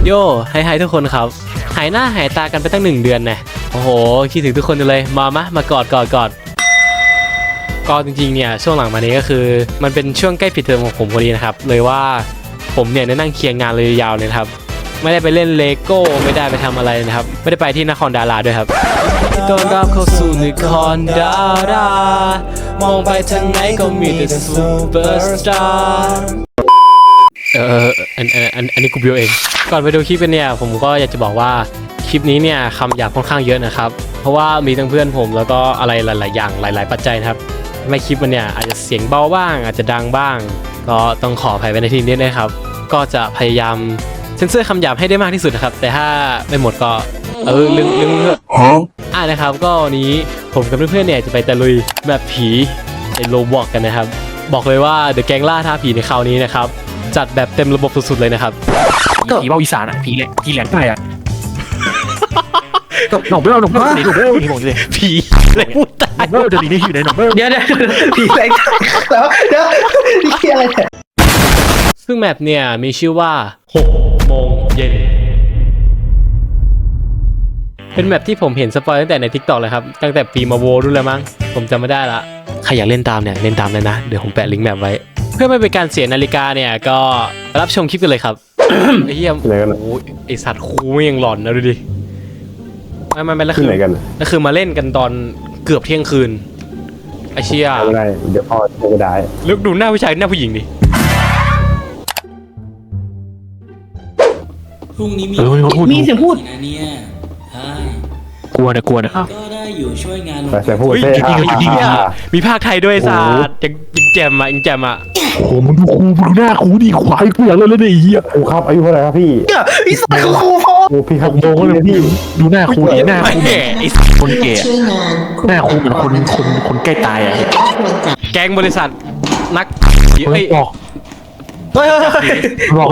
โย่ไฮทุกคนครับหายหน้าหายตากันไปตั้ง1 เดือนนะโอ้โหคิดถึงทุกคนเลยมากอดก็จริงๆเนี่ยช่วงหลังมานี้ก็คือมันเป็นช่วงใกล้ปิดเทอมของผมพอดีนะครับเลยว่าผมเนี่ยได้นั่งเคลียร์งานเลยยาวเลยครับไม่ได้ไปเล่นเลโก้ไม่ได้ไปทำอะไรนะครับไม่ได้ไปที่นครดาราด้วยครับต้อนรับเข้าสู่นครดารามองไปทางไหนก็มีแต่ซูเปอร์สตาร์อันนี้กูบิวเองก่อนไปดูคลิปเนี่ยผมก็อยากจะบอกว่าคลิปนี้เนี่ยคำหยาบค่อนข้างเยอะนะครับเพราะว่ามีทั้งเพื่อนผมแล้วก็อะไรหลายๆอย่างหลายๆปัจจัยนะครับไม่คลิปมันเนี่ยอาจจะเสียงเบาบ้างอาจจะดังบ้างก็ต้องขออภัยไปในที่นี้นะครับก็จะพยายามเซ็นเซอร์คำหยาบให้ได้มากที่สุดนะครับแต่ถ้าไม่หมดก็ลึงนะครับก็วันนี้ผมกับเพื่อนๆเนี่ยจะไปตะลุยแบบผีในโรบล็อกกันนะครับบอกเลยว่าเดอะแก๊งล่าท้าผีในคราวนี้นะครับจัดแบบเต็มระบบสุดๆเลยนะครับผีเบาอีสานอ่ะผีแหลงใต้อ่ะหนองเบ้หนองเบ้หนองเบ้ผีบอกเลยผีอะไรพูดตายเบ้จะดีนี่อยู่ในหนองเบ้เดี๋ยวผีแหลงเดี๋ยวนี่อะไรเนี่ยซึ่งแมปเนี่ยมีชื่อว่า6 โมงเย็นเป็นแมปที่ผมเห็นสปอยตั้งแต่ใน TikTok เลยครับตั้งแต่ปีมาโวรุ่นแล้วมั้งผมจำไม่ได้ละใครอยากเล่นตามเนี่ยเล่นตามเลยนะเดี๋ยวผมแปะลิงก์แมปไว้เพื่อไม่เป็นการเสียนาฬิกาเนี่ยก็รับชมคลิปกันเลยครับ ไอ้เหี้ยโอ้ไอสัตว์คูไม่ยังหลอนนะดูดิไม่แล้วคือแล้วคือมาเล่นกันตอนเกือบเที่ยงคืนไอเชี่ยไม่ได้เดี๋ยวพ่อจะได้ลึกดูหน้าผู้ชายหน้าผู้หญิงดิพรุ่งนี้มีเสียงพูดนะเนี่ยกลัวนะก็ได้อยู่ช่วยงานแต่พูดเท่มีภาคไทยด้วยศาสตร์ยังแจมอ่ะโอ้มึงดูหน้าครูดิควายกูอยากเล่นเลยไอ้เหี้ยครูครับอายุเท่าไหร่ครับพี่ไอ้สัตว์ครูพ่อพี่ครับโมงเลยพี่ดูหน้าครูดิหน้าครูคนแก่หน้าครูเหมือนคนใกล้ตายอ่ะแก๊งบริษัทนักเฮ้ยบอก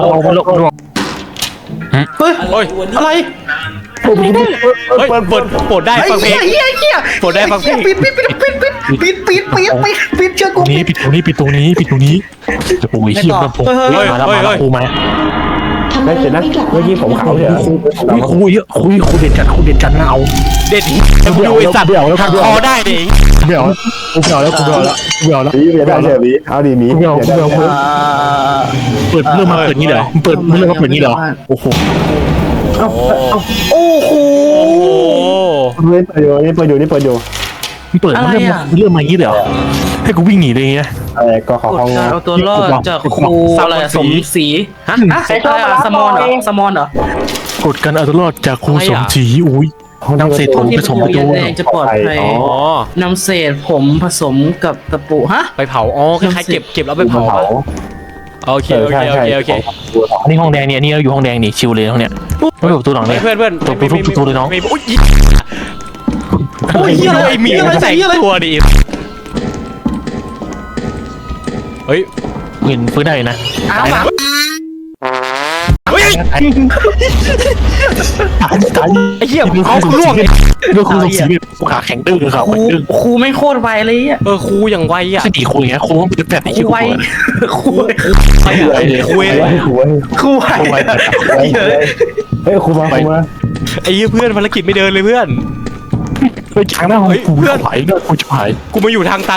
อะไรโปรดได้ฟังเพลงโปรดได้ฟังเพลงปิดเชื่อกูปิดตรงนี้จะปุยเขี้ยวผมมาแล้วครูมาได้เสร็จนะเมื่อกี้ผมขาวเนี่ยครูเด็ดจัดนะเอาเด็ดดูไอ้สัตว์คอได้ดิเบี่ยวแล้วนี่ไม่ได้เลยนี่เอาดีมีเปิดเรื่องมาเปิดนี้เหรอเปิดเรื่องมาเปิดนี้เหรอโอ้โหเล่นเปิดอยู่เปิดเรื่องมานี้เหรอให้กูวิ่งหนีเลยเงี้ยอะไรก็ขอเขาเอาตัวรอดจากครูอะไรสมศรีฮะใครชอบสมอนเหรอกดกันเอาตัวรอดจากครูสมศรีอุ้ยนำเศษผมผสมกับตัวจะปลอดภัยนำเศษผมผสมกับตะปูฮะไปเผาคล้ายๆเก็บแล้วไปเผาโอเคนี่ห้องแดงเนี่ยนี่เราอยู่ห้องแดงนี่ชิวเลยห้องเนี้ยไม่ถูกตัวหลังเลยเพื่อนทุบตัวเลยน้องโอ้ยไอ้หมีมันใส่ตัวดิเฮ้ยเห็นฟื้นได้นะเฮ้ยตายไอ้เหี้ยเอาครูล่วงเรื่องครูสมศรีขาแข็งดื้อเลยครับครูไม่โคตรไวเลยอ่ะครูอย่างไวอ่ะสี่ครูอย่างเงี้ยครูต้องเป็นแบบครูไวครูไวเฮ้ยครูมาไอ้เพื่อนภารกิจไม่เดินเลยเพื่อนไปจางหน้าห้องกูไหลเลือดกูจะหายกูมาอยู่ทางตัน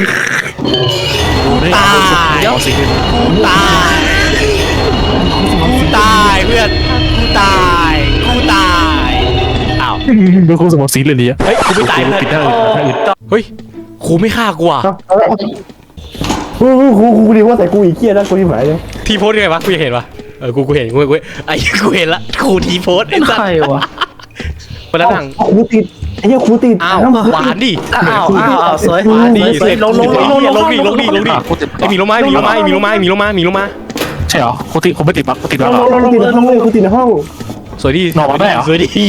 ตายเพื่อนกูตายอ้าวเป็นครูสมศรีเลยเนี่ยเฮ้ยกูไม่ตายเลยเฮ้ยครูไม่ฆ่ากูอ่ะครูดีว่าแต่กูอีกเกี้ยนะกูที่หมายเลยทีโพสยังไงวะกูยังเห็นวะกูเห็นกูไอ้กูเห็นละครูทีโพสไอ้สัสใครวะคนละทางครูติดไอ้เหี้ยครูติดอ้าวหวานดิสวยลงดิไอ้มีลงมาใช่เหรอครูติดผมไม่ติดปะครูติดแล้วครูติดในห้องสวยดินอนมาได้เหรอสวยดิ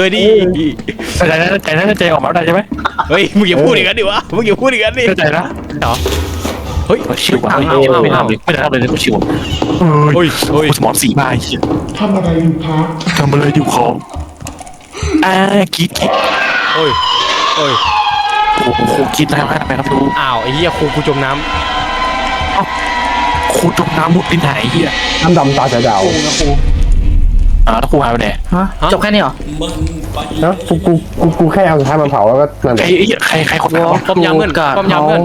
ใจออกมาได้ใช่ไหมเฮ้ยมึงอย่าพูดอย่างนั้นดิวะมึงอย่าพูดอย่างนั้นดิใจนะเหรอเฮ้ยชิวไม่ทำเลยกูชิวเฮ้ยสมองสีมาทำอะไรอยู่ครับทำอะไรอยู่ของกิ๊กโอ้ยโอ้กิ๊กได้ไหมครับดูอ้าวไอ้เหี้ยครูจมน้ำครูจมน้ำมุดไปไหนเหี้ยน้ำดำตาจะดาวแล้วครูหายไปไหนฮะจบแค่นี้เหรอมันไปเนาะกูแค่เอาสุดท้ายมาเผาแล้วก็นั่นแหละใครคนนั้นป้อมยามเพื่อนป้อมยามเพื่อน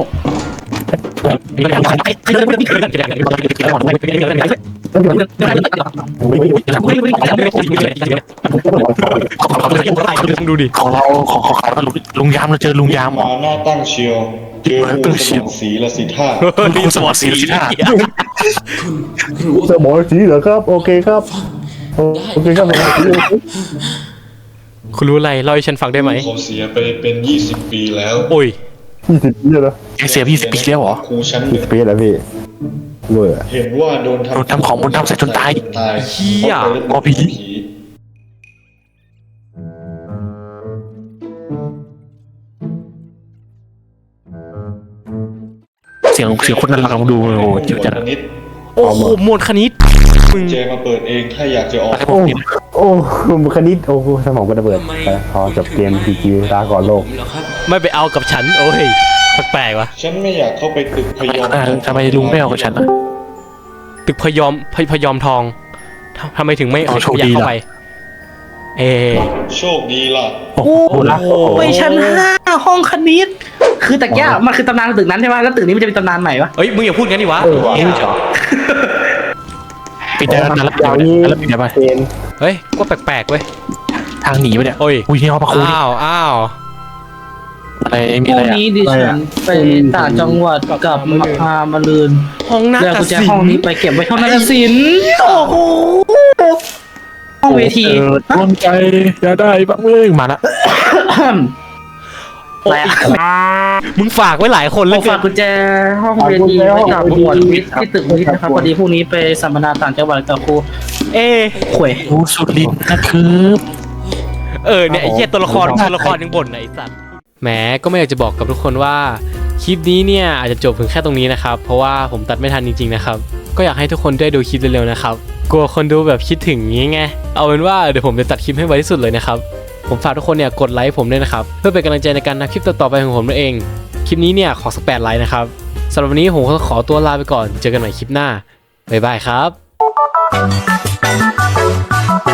ดูดิของเราของขายลุงยามเราเจอลุงยามหมอหน้าตั้งเชียว เจองูสมองสีละสิท่าคุณสมอสีสิท่าสมองสีเหรอครับโอเคครับโอเคครับคุณรู้อะไรเล่าให้ฉันฟังได้ไหมเขาเสียไปเป็น20 ปีแล้วโอ้ย 20 ปีแล้วแกเสีย20 ปีแล้วเหรอครูชั้นหนึ่ง 20 ปีแล้วพี่รวยอะเห็นว่าโดนโดนทำของมนต์ดำใส่จนตายเหี้ยกอผี เสียงคนนั้นเราดูโอ้เจ๋งจังนิดโอ้โหมวลคณิตมึงเจมาเปิดเองถ้าอยากจะออกอะไรพวโอ้กนี้โอ้คณิตโอ้สมองก็ระเบิดไปพอจบเกมพีจีลาก่อนโลกผมเหรอครับไม่ไปเอากับฉันโอ้ยแปลกๆวะฉันไม่อยากเข้าไปตึกพยอมทำไมลุงไม่เอากับฉันอ่ะตึกพยอมทองทำไมถึงไม่อ๋อโชคอยากดีเข้าล่ะไปโชคดีล่ะโอ้โหนะไปชั้น5ห้องคณิต คือแต่แก้มันคือตำนานตึกนั้นใช่ไหมแล้วตึกนี้มันจะเป็นตำนานใหม่ปะเอ้ยมึงอย่าพูดงั้นดิวะนี่เหรอปิดได้แล้วแล้วปิดอย่างได้นี้แล้วปิดได้ไหมเกมเฮ้ยก็แปลกๆเว้ยทางหนีไปเนี่ยโอ้ยอุ้ยนี่ห้องพระครูนี่อ้าวอะไรมีพอะไรรุ่งอ่ะนี้ดิฉันไปต่างจังหวัดกับมาลืนห้องนักเดี๋ยวกุญแจศิลห้องป์นี้ไปเก็บไว้ห้องนักศิลป์โอ้โหห้องเวทีดวงใจอย่าได้บ้างเอ้ยมาละอะไรอะมึงฝากไว้หลายคนผเลยมฝากกุญแจห้องเวทีไว้กับหมวดวิทย์ที่ตึกวิทย์นะครับพอดีพรุ่งนี้ไปสัมมนาต่างจังหวัดกับครูเอะข่วยดูสุดลิ้นนะครับเนี่ยไอ้เหี้ยตัวละครยังบ่นไหนสัตว์แหมก็ไม่อยากจะบอกกับทุกคนว่าคลิปนี้เนี่ยอาจจะจบเพียงแค่ตรงนี้นะครับเพราะว่าผมตัดไม่ทันจริงๆนะครับก็อยากให้ทุกคนได้ดูคลิปเร็วๆนะครับกลัวคนดูแบบคิดถึงงี้ไงเอาเป็นว่าเดี๋ยวผมจะตัดคลิปให้ไวที่สุดเลยนะครับผมฝากทุกคนเนี่ยกดไลค์ผมด้วยนะครับเพื่อเป็นกำลังใจในการทำคลิปต่อๆไปของผมนั่นเองคลิปนี้เนี่ยขอสัก8 ไลค์นะครับสำหรับวันนี้ผมขอตัวลาไปก่อนเจอกันใหม่คลิปหน้าบ๊ายบายครับ